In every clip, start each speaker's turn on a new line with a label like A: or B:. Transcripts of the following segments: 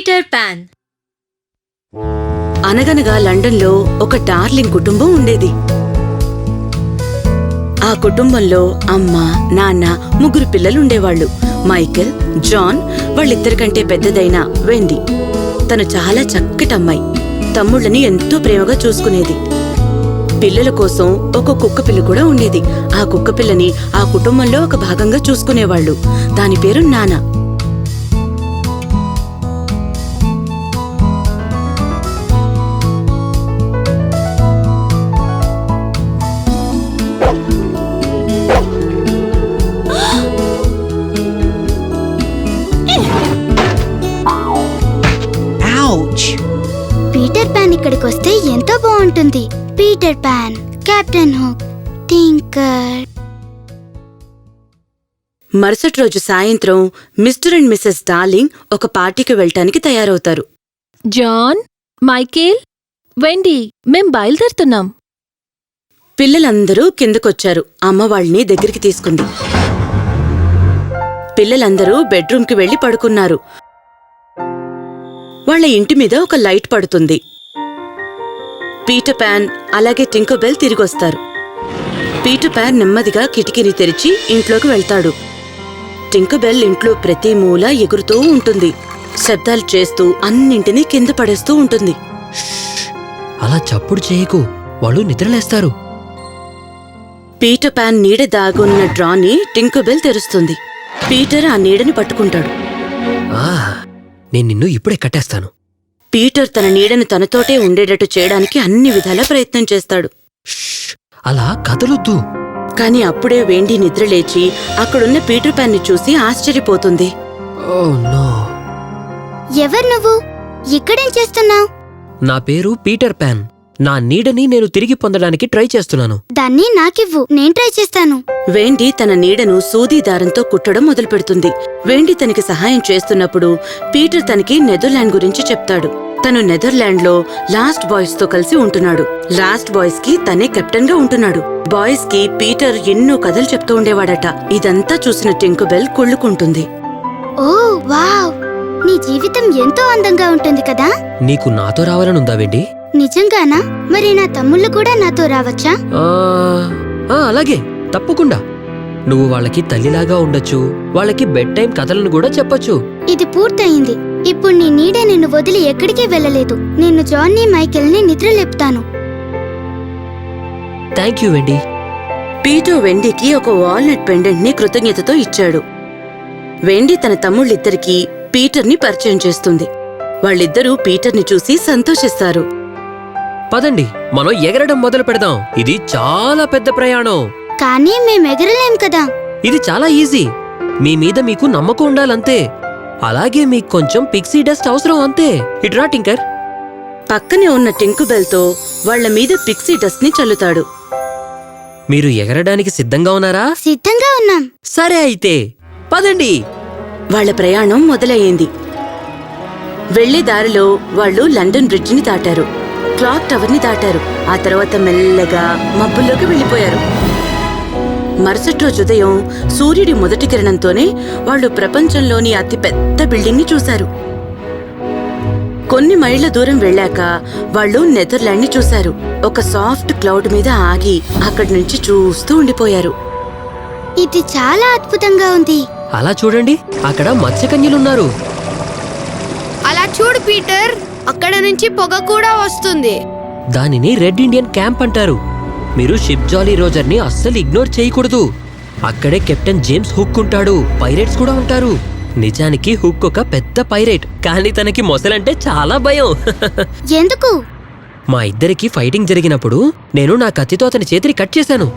A: Peter pan.
B: అనగనగా లండన్లో ఒక డార్లింగ్ కుటుంబం ఉండేది. ఆ కుటుంబంలో అమ్మ, నాన్న, 3 పిల్లలుండేవాళ్లు. మైకేల్, జాన్, వాళ్ళిద్దరికంటే పెద్దదైన వెండీ. తను చాలా చక్కటమ్మాయి. తమ్ముళ్ళని ఎంతో ప్రేమగా చూసుకునేది. పిల్లల కోసం ఒక కుక్కపిల్ల కూడా ఉండేది. ఆ కుక్కపిల్లని ఆ కుటుంబంలో ఒక భాగంగా చూసుకునేవాళ్లు. దాని పేరు నానా.
C: పీటర్ పాన్ ఇక్కడికొస్తే ఎంతో బాగుంటుంది. Peter Pan, captain Hook, Tinker.
B: మరుసటి రోజు సాయంత్రం మిస్టర్ అండ్ మిసెస్ డార్లింగ్ ఒక పార్టీకి వెళ్ళటానికి తయారవుతారు.
D: జాన్, మైకేల్, వెండీ, మేం బయలుదేరుతున్నాం.
B: పిల్లలందరూ కిందకొచ్చారు. అమ్మ వాళ్ళని దగ్గరికి తీసుకుంది. పిల్లలందరూ బెడ్రూమ్కి వెళ్లి పడుకున్నారు. వాళ్ల ఇంటి మీద ఒక లైట్ పడుతుంది. పీటర్ పాన్ అలాగే టింకర్బెల్ తిరిగొస్తారు. పీటర్ పాన్ నెమ్మదిగా కిటికీని తెరిచి ఇంట్లోకి వెళ్తాడు. టింకర్బెల్ ఇంట్లో ప్రతి మూల ఎగురుతూ ఉంటుంది. శబ్దాలు చేస్తూ అన్నింటినీ కింద పడేస్తూ ఉంటుంది.
E: అలా చప్పుడు చేయకు, వాళ్ళు నిద్రలేస్తారు.
B: పీటర్ పాన్ నీడ దాగున్న డ్రాని టింకర్బెల్ తెరుస్తుంది. పీటర్ ఆ నీడని పట్టుకుంటాడు.
E: నేను నిన్ను ఇప్పుడే కట్టేస్తాను.
B: పీటర్ తన నీడను తనతోటే ఉండేటట్టు చేయడానికి అన్ని విధాలా ప్రయత్నం చేస్తాడు.
E: అలా కదలొద్దు.
B: కాని అప్పుడే వెండీ నిద్రలేచి అక్కడున్న పీటర్ పాన్ ని చూసి ఆశ్చర్యపోతుంది.
E: Oh no.
C: ఎవరు నువ్వు? ఇక్కడేం చేస్తున్నావు?
E: నా పేరు పీటర్ పాన్. నా నీడని నేను తిరిగి పొందడానికి ట్రై చేస్తున్నాను.
C: దాన్ని నాకివ్వు, నేను ట్రై చేస్తాను.
B: వెండీ తన నీడను సూదీ దారంతో కుట్టడం మొదలుపెడుతుంది. వెండీ తనకి సహాయం చేస్తున్నప్పుడు పీటర్ తనకి నెదర్లాండ్ గురించి చెప్తాడు. తను నెదర్లాండ్లో లాస్ట్ బాయ్స్ తో కలిసి ఉంటున్నాడు. లాస్ట్ బాయ్స్ కి తనే కెప్టెన్ గా ఉంటున్నాడు. బాయ్స్ కి పీటర్ ఎన్నో కథలు చెప్తూ ఉండేవాడట. ఇదంతా చూసిన టింకర్బెల్ కుళ్ళుకుంటుంది.
C: ఓ వావ్, నీ జీవితం ఎంతో అందంగా ఉంటుంది కదా.
E: నీకు నాతో రావాలనుందా వెండీ?
C: నిజంగానా? మరి నా తమ్ముళ్ళు కూడా నాతో రావచ్చా?
E: అలాగే, తప్పకుండా. నువ్వు వాళ్ళకి తల్లిలాగా ఉండొచ్చు. వాళ్ళకి బెడ్ టైం కథలను కూడా చెప్పొచ్చు.
C: ఇది పూర్తయింది. ఇప్పుడు నీ నీడే నిన్ను వదిలి ఎక్కడికి వెళ్ళలేదు. నేను జాన్ని, మైకేల్ని నిద్రలేపుతాను.
E: Thank you Wendy.
B: పీటర్ వెండీకి ఒక వాల్నట్ పెండెంట్ ని కృతజ్ఞతతో ఇచ్చాడు. వెండీ తన తమ్ముళ్ళిద్దరికీ పీటర్ని పరిచయం చేస్తుంది. వాళ్ళిద్దరూ పీటర్ని చూసి సంతోషిస్తారు.
E: పదండి, మనం ఎగరడం మొదలు పెడదాం. ఇది చాలా పెద్ద ప్రయాణం.
C: కానీ మేమెగరలేం కదా.
E: ఇది చాలా ఈజీ. మీ మీద మీకు నమ్మకం ఉండాలంతే. అలాగే మీకు కొంచెం పిక్సీ డస్ట్ అవసరం అంతే. ఇట్రా టింకర్.
B: పక్కనే ఉన్న టింకర్బెల్ తో వాళ్ల మీద పిక్సీ డస్ట్ ని చల్లుతాడు.
E: మీరు ఎగరడానికి సిద్ధంగా ఉన్నారా?
C: సిద్ధంగా ఉన్నాం.
E: సరే అయితే పదండి.
B: వాళ్ల ప్రయాణం మొదలయ్యింది. వెళ్లే దారిలో వాళ్లు లండన్ బ్రిడ్జ్ ని దాటారు. క్లాక్ టవర్ ని దాటారు. ఆ తర్వాత మెల్లగా మబ్బుల్లోకి వెళ్లిపోయారు. మరుసటి రోజు ఉదయం సూర్యుడి మొదటి కిరణంతోనే వాళ్లు ప్రపంచంలోని అతి పెద్ద బిల్డింగ్ ని చూశారు. కొన్ని మైళ్ల దూరం వెళ్లాక వాళ్లు నెదర్లాండ్ ని చూశారు. ఒక సాఫ్ట్ క్లౌడ్ మీద ఆగి అక్కడి నుంచి చూస్తూ ఉండిపోయారు.
C: ఇది చాలా అద్భుతంగా ఉంది.
E: అలా చూడండి, అక్కడ మత్స్యకన్యలున్నారు.
F: అలా చూడు పీటర్, అక్కడ నుంచి పొగ కూడా వస్తుంది.
E: దానిని రెడ్ ఇండియన్ క్యాంప్ అంటారు. మీరు షిప్ జాలీ రోజర్ ని అస్సలు ఇగ్నోర్ చేయకూడదు. అక్కడే కెప్టెన్ జేమ్స్ హుక్ ఉంటాడు. పైరేట్స్ కూడా ఉంటారు. నిజానికి హుక్ ఒక పెద్ద పైరేట్, కానీ తనకి మొసలంటే చాలా భయం.
C: ఎందుకు?
E: మా ఇద్దరికి ఫైటింగ్ జరిగినప్పుడు నేను నా కత్తితో అతని చేతిని కట్ చేశాను.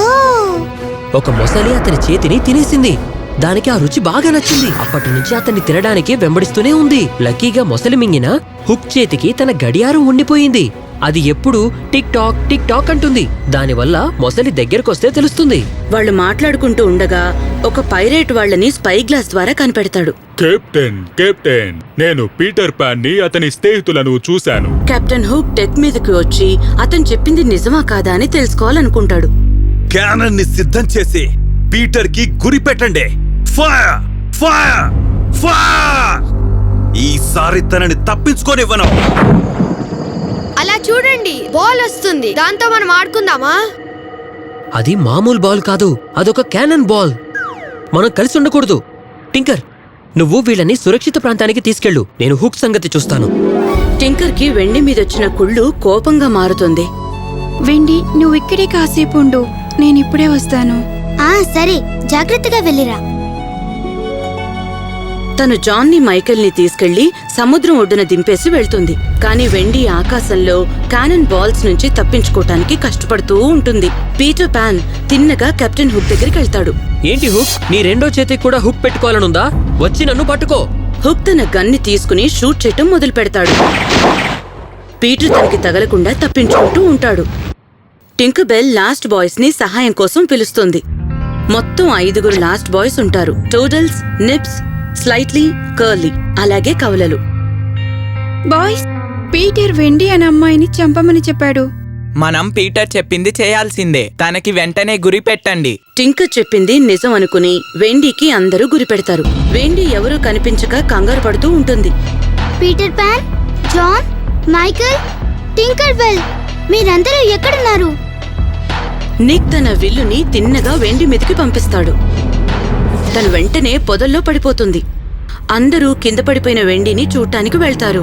E: ఒక మొసలి అతని చేతిని తినేసింది. దానికి ఆ రుచి బాగా నచ్చింది. అప్పటి నుంచి అతన్ని తినడానికి వెంబడిస్తూనే ఉంది. లక్కీగా మొసలి మింగిన హుక్ చేతికి తన గడియారం ఉండిపోయింది. అది ఎప్పుడు టిక్ టాక్ అంటుంది. దానివల్ల మొసలి దగ్గరకొస్తే తెలుస్తుంది.
B: వాళ్లు మాట్లాడుకుంటూ ఉండగా ఒక పైరేట్ వాళ్లని స్పై గ్లాస్ ద్వారా కనిపెడతాడు.
G: కెప్టెన్, నేను పీటర్ పాన్ ని అతని స్నేహితులను చూశాను.
B: కెప్టెన్ హుక్ డెక్ మీదకి వచ్చి అతను చెప్పింది నిజమా కాదా అని తెలుసుకోవాలనుకుంటాడు.
H: క్యానన్ ని సిద్ధం చేసి పీటర్ కి గురి పెట్టండి. ఫైర్! ఫైర్! ఫైర్! ఈసారి తనని తప్పించుకోనివ్వను.
F: అలా చూడండి, బాల్ వస్తుంది. దాంతో మనం ఆడుకుందామా?
E: అది మామూలు బాల్ కాదు, అదొక క్యానన్ బాల్. మనం కలిసి ఉండకూడదు. టింకర్, నువ్వు వీళ్ళని సురక్షిత ప్రాంతానికి తీసుకెళ్ళు. నేను హుక్ సంగతి చూస్తాను.
B: టింకర్కి వెండి మీదొచ్చిన కుళ్ళు కోపంగా మారుతుంది.
A: వెండి, నువ్వు ఇక్కడే కాసేపు ఉండు, నేనిప్పుడే వస్తాను.
C: సరే, జాగ్రత్తగా వెళ్ళిరా.
B: తను జాన్ని మైకేల్ని తీసుకెళ్లి సముద్రం ఒడ్డున దింపేసి వెళ్తుంది. కాని వెండి ఆకాశంలో క్యానన్ బాల్స్ నుంచి తప్పించుకోవటానికి కష్టపడుతూ ఉంటుంది. పీటర్ పాన్ తిన్నగా కెప్టెన్ హుక్ దగ్గరికి వెళ్తాడు.
E: ఏంటి హుక్, నీ రెండో చేతికి కూడా హుక్ పెట్టుకోవాలనుందా? వచ్చి నన్ను పట్టుకో.
B: హుక్ తన గన్ని తీసుకుని షూట్ చేయటం మొదలు పెడతాడు. పీటర్ తనకి తగలకుండా తప్పించుకుంటూ ఉంటాడు. టింకర్ బెల్ లాస్ట్ బాయ్స్ ని సహాయం కోసం పిలుస్తుంది. మొత్తం 5 లాస్ట్ బాయ్స్ ఉంటారు. టోడల్స్, నిప్స్, స్లైట్లీ, కర్లీ, అలాగే కవలలు.
A: బాయ్స్, పీటర్ వెండి అనే అమ్మాయిని చంపమని చెప్పాడు.
I: మనం పీటర్ చెప్పింది చేయాల్సిందే. తనకి వెంటనే గురి పెట్టండి.
B: టింకర్ చెప్పింది నిజం అనుకుని వెండీకి అందరూ గురిపెడతారు. వెండీ ఎవరూ కనిపించక కంగారు పడుతూ ఉంటుంది.
C: Peter Pan, John, Michael, Tinker Bell, మీరందరూ ఎక్కడున్నారు?
B: నిక్ తన విల్లుని తిన్నగా వెండి మీదకి పంపిస్తాడు. తను వెంటనే పొదల్లో పడిపోతుంది. అందరూ కింద పడిపోయిన వెండిని చూడటానికి వెళ్తారు.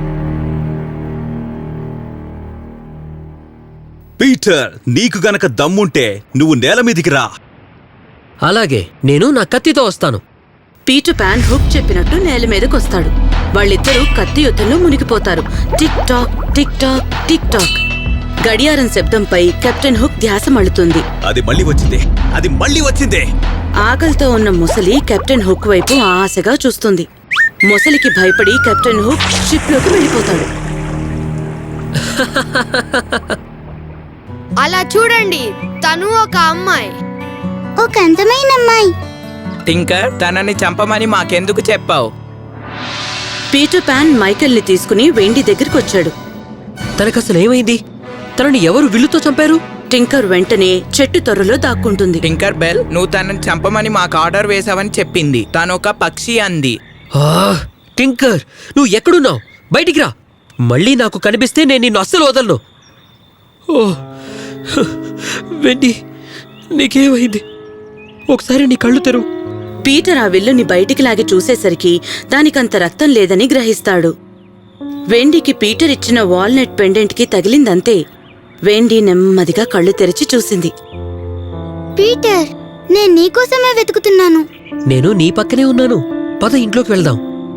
H: పీటర్, నీకు గనక దమ్ముంటే నువ్వు నేల మీదికి రా.
E: అలాగే, నేను నా కత్తితో వస్తాను.
B: పీటర్ పాన్ హుక్ చెప్పినట్టు నేల మీదకొస్తాడు. వాళ్ళిద్దరూ కత్తి యుద్ధంలో మునిగిపోతారు. Tick tock, tick tock, tick tock. గడియారం శబ్దంపై కెప్టెన్ హుక్ ధ్యాస మళ్ళుతుంది.
H: అది మళ్ళీ వచ్చిందే.
B: ఆకలితో ఉన్న ముసలి కెప్టెన్ హుక్ వైపు ఆశగా చూస్తుంది. ముసలికి భయపడి కెప్టెన్ హుక్ షిప్లోకి వెళ్ళిపోతాడు.
F: అలా చూడండి, తను ఒక అమ్మాయి.
C: ఒక అందమైన అమ్మాయి.
I: టింకర్, తనని చంపమని మాకెందుకు చెప్పావు?
B: పీటర్ పాన్ మైకేల్ని తీసుకుని వెండి దగ్గరికొచ్చాడు.
E: తనకసలేమైంది? తనని ఎవరు విల్లుతో చంపారు?
B: టింకర్ వెంటనే చెట్టు తొర్రలో దాక్కుంటుంది.
I: టింకర్ బెల్, నువ్వు తనని చంపమని మాకు ఆర్డర్ వేసావని చెప్పింది. తనొక పక్షి అంది.
E: టింకర్, నువ్వు ఎక్కడున్నావు? బయటికి రా. మళ్ళీ నాకు కనిపిస్తే నేను నిన్ను అస్సలు వదలను. వెండి, నీకేమైంది? ఒకసారి నీ కళ్ళు తెరువు.
B: పీటర్ ఆ విల్లుని బయటికి లాగి చూసేసరికి దానికంత రక్తం లేదని గ్రహిస్తాడు. వెండికి పీటర్ ఇచ్చిన వాల్నట్ పెండెంట్కి తగిలిందంతే. వెండి నెమ్మదిగా కళ్ళు తెరిచి చూసింది.
C: పీటర్, నేను నీకోసమే వెతుకుతున్నాను.
E: నేను నీ పక్కనే ఉన్నాను. పద, ఇంట్లోకి వెళ్దాం.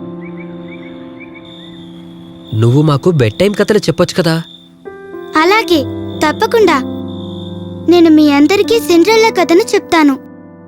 E: నువ్వు మాకు బెడ్ టైం కథలు చెప్పొచ్చు కదా.
C: అలాగే, తప్పకుండా. నేను మీ అందరికీ సిండ్రెల్లా కథను చెప్తాను.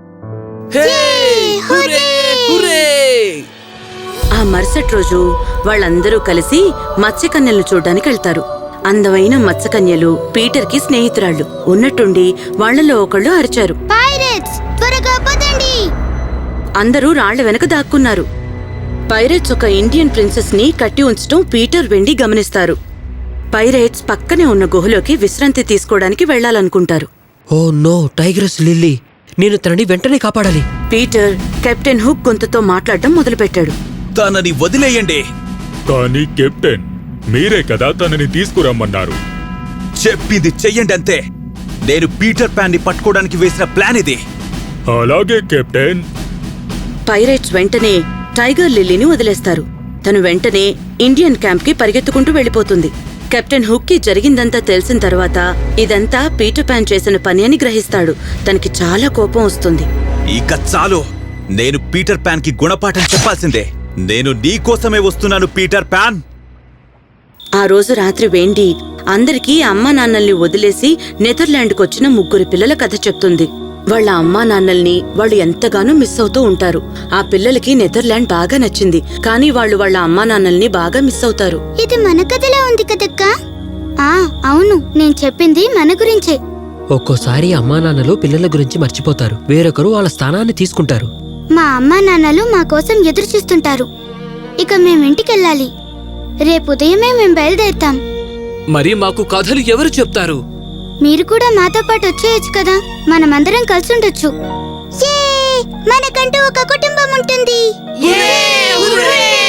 B: ఆ మరుసటి రోజు వాళ్ళందరూ కలిసి మత్స్యకన్యలను చూడ్డానికి వెళ్తారు. అందమైన మత్స్యకన్యలు పీటర్కి స్నేహితురాళ్ళు. ఉన్నట్టుండి వాళ్లలో ఒకళ్ళు అరిచారు,
C: పైరేట్స్, త్వరగా పదండి!
B: అందరూ రాళ్ల వెనక దాక్కున్నారు. పైరేట్స్ ఒక ఇండియన్ ప్రిన్సెస్ ని కట్టి ఉంచటం పీటర్ వెండి గమనిస్తారు. పైరేట్స్ పక్కనే ఉన్న గుహలోకి విశ్రాంతి తీసుకోవడానికి వెళ్లాలనుకుంటారు.
E: ఓ నో, టైగరస్ లిల్లీ, నేను తనని వెంటనే కాపాడాలి.
B: పీటర్ కెప్టెన్ హుక్ గొంతుతో మాట్లాడటం మొదలుపెట్టాడు.
H: తనని వదిలేయండి.
G: కానీ కెప్టెన్, మీరే కదా తనని తీసుకురమ్మన్నారు.
H: చెప్పింది చెయ్యండి అంతే. నేను పీటర్ పాన్ ని పట్టుకోవడానికి వేసిన ప్లాన్ ఇది.
G: అలాగే కెప్టెన్.
B: పైరేట్స్ వెంటనే టైగర్ లిల్లీని వదిలేస్తారు. తను వెంటనే ఇండియన్ క్యాంప్ కి పరిగెత్తుకుంటూ వెళ్లిపోతుంది. కెప్టెన్ హుక్ కి జరిగిందంతా తెలిసిన తర్వాత ఇదంతా పీటర్ పాన్ చేసిన పని అని గ్రహిస్తాడు. తనకి చాలా కోపం వస్తుంది.
H: ఇక చాలు. నేను పీటర్ పాన్ కి గుణపాఠం చెప్పాల్సిందే. నేను నీకోసమే వస్తున్నాను పీటర్ పాన్.
B: ఆ రోజు రాత్రి వెండి అందరికీ అమ్మా నాన్నల్ని వదిలేసి నెదర్లాండ్కొచ్చిన 3 పిల్లల కథ చెప్తుంది. వాళ్ళ అమ్మా నాన్నల్ని వాళ్ళు ఎంతగానో మిస్ అవుతూ ఉంటారు. ఆ పిల్లలకి నెదర్లాండ్ బాగా నచ్చింది, కానీ వాళ్ళు వాళ్ళ అమ్మా నాన్నల్ని బాగా మిస్ అవుతారు.
C: ఇది మన కథలా ఉంది కదక్కా? అవును, నేను చెప్పింది మన గురించే.
E: ఒక్కోసారి అమ్మా నాన్నలు పిల్లల గురించి మర్చిపోతారు. వేరొకరు వాళ్ళ స్థానాన్ని తీసుకుంటారు.
C: మా అమ్మా నాన్నలు మా కోసం ఎదురు చూస్తుంటారు. ఇక మేమింటికెళ్ళాలి. రేపు ఉదయమే మేం బయలుదేరుతాం.
J: మరి మాకు కథలు ఎవరు చెప్తారు?
C: మీరు కూడా మాతో పాటు వచ్చేయచ్చు కదా. మనమందరం కలిసి ఉండొచ్చు. మనకంటూ ఒక కుటుంబం ఉంటుంది.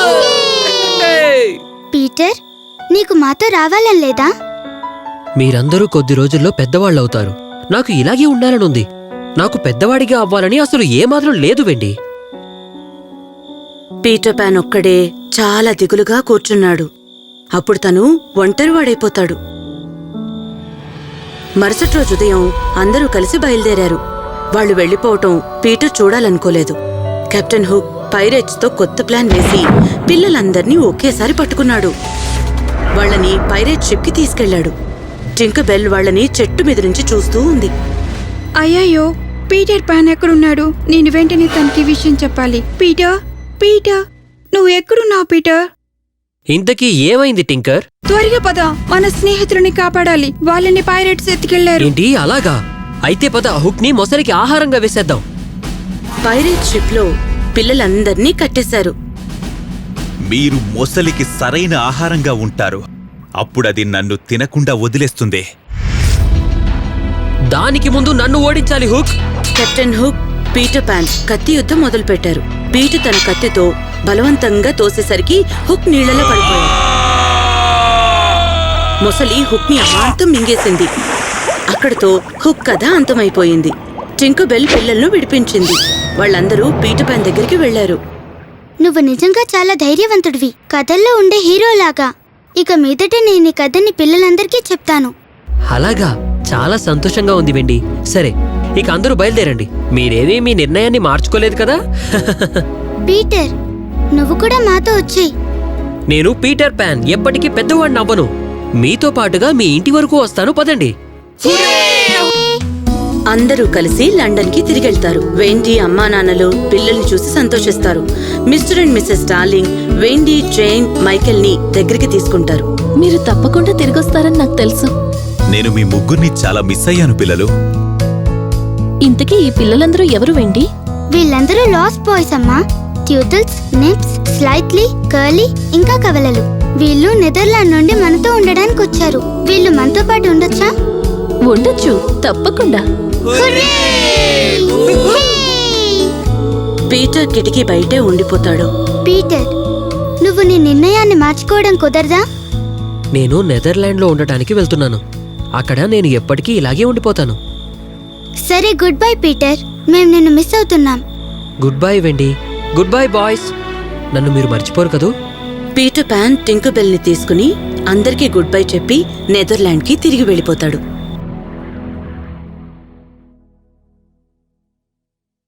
C: పీటర్, నీకు మాతో రావాలని లేదా?
E: మీరందరూ కొద్ది రోజుల్లో పెద్దవాళ్ళవుతారు. నాకు ఇలాగే ఉండాలనుంది. నాకు పెద్దవాడిగా అవ్వాలని అసలు ఏమాత్రం లేదు వెండి.
B: పీటర్ పాన్ ఒక్కడే చాలా దిగులుగా కూర్చున్నాడు. అప్పుడు తను ఒంటరివాడైపోతాడు. మరుసటి రోజు ఉదయం అందరూ కలిసి బయలుదేరారు. వాళ్ళు వెళ్లిపోవటం పీటర్ చూడాలనుకోలేదు. కెప్టెన్ హుక్ పైరేట్స్తో కొత్త ప్లాన్ వేసి పిల్లలందర్నీ ఒకేసారి పట్టుకున్నాడు. వాళ్ళని పైరేట్ షిప్కి తీసుకెళ్లాడు. టింకబెల్ వాళ్ళని చెట్టు మీద నుంచి చూస్తూ ఉంది.
A: అయ్యయ్యో, పీటర్ పాన్ ఎక్కడున్నాడు? నేను వెంటనే తనకి విషయం చెప్పాలి. పీటర్, పీటర్, నువ్వు ఎక్కడున్నావు పీటర్?
E: ఇంతకీ ఏమైంది టింకర్?
A: త్వరగా పద, మన స్నేహితులని కాపాడాలి. వాళ్ళని పైరేట్స్ ఎత్తుకెళ్లారు.
E: ఏంటి అలాగా? అయితే పద హుక్ ని మొసలికి ఆహారంగా వేసేద్దాం.
B: పైరేట్ షిప్లో పిల్లలందర్నీ కట్టేశారు.
H: మీరు మొసలికి సరైన ఆహారంగా ఉంటారు. అప్పుడది నన్ను తినకుండా వదిలేస్తుంది.
E: దానికి ముందు నన్ను ఓడించాలి Hook.
B: Captain Hook, Peter Pan కత్తి యుద్ధం మొదలుపెట్టారు. పీటర్ తన కత్తితో బలవంతంగా తోసేసరికి హుక్ నీళ్లలో పడిపోయాడు. మొసలి హుక్ ని అమాంతం మింగేసింది. అక్కడితో హుక్ కథ అంతమైపోయింది. టింకబెల్ పిల్లలను విడిపించింది. వాళ్ళందరూ పీటర్ పాన్ దగ్గరికి వెళ్లారు.
C: నువ్వు నిజంగా చాలా ధైర్యవంతుడివి, కథల్లో ఉండే హీరోలాగా. ఇక మీదట నేను ఈ కథని పిల్లలందరికీ చెప్తాను.
E: అలాగా? చాలా సంతోషంగా ఉంది వెండి. సరే, ఇక అందరూ బయలుదేరండి. మీరేమీ మీ నిర్ణయాన్ని మార్చుకోలేదు కదా?
C: పీటర్, నువ్వు కూడా మాతో వచ్చేయ్.
E: నేను పీటర్ పాన్ ఎప్పటికీ పెద్దవాడిని అవ్వను. మీతో పాటుగా మీ ఇంటి వరకు వస్తాను, పదండి.
B: అందరూ కలిసి లండన్ కి తిరిగెళ్తారు. వెండీ అమ్మా నాన్నలు పిల్లల్ని చూసి సంతోషిస్తారు. Mr and Mrs Darling Wendy, Jane, Michael ని దగ్గరికి తీసుకుంటారు.
D: మీరు తప్పకుండా తిరిగొస్తారని నాకు తెలుసు.
H: నేను మీ ముగ్గురిని చాలా మిస్ అయ్యాను పిల్లలు.
D: ఇంతకీ ఈ పిల్లలందరూ ఎవరు వెండి?
C: వీళ్ళందరూ లాస్ట్ బాయ్స్ అమ్మా. ట్యూటిల్స్, నిప్స్, స్లైట్లీ, కర్లీ, ఇంకా కవలలు. వీళ్ళు నెదర్లాండ్ నుండి మనతో ఉండడానికి వచ్చారు. వీళ్ళు మనతో పాటు ఉండొచ్చా?
D: ఉండొచ్చు, తప్పకుండా.
B: పీటర్ కిటికీ బయటే ఉండిపోతాడు.
C: పీటర్, నువ్వు నీ నిర్ణయాన్ని మార్చుకోవడం కుదరదా?
E: నేను నెదర్లాండ్లో ఉండటానికి వెళ్తున్నాను. అక్కడ నేను ఎప్పటికీ ఇలాగే ఉండిపోతాను.
C: సరే, గుడ్ బై పీటర్. మేము నిన్ను మిస్ అవుతున్నాం.
E: Goodbye Wendy. Goodbye boys. నన్ను మీరు మర్చిపోరు కదూ?
B: పీటర్ పాన్ టింకబెల్ ని తీసుకుని అందరికీ గుడ్ బై చెప్పి నెదర్లాండ్ కి తిరిగి వెళ్ళిపోతాడు.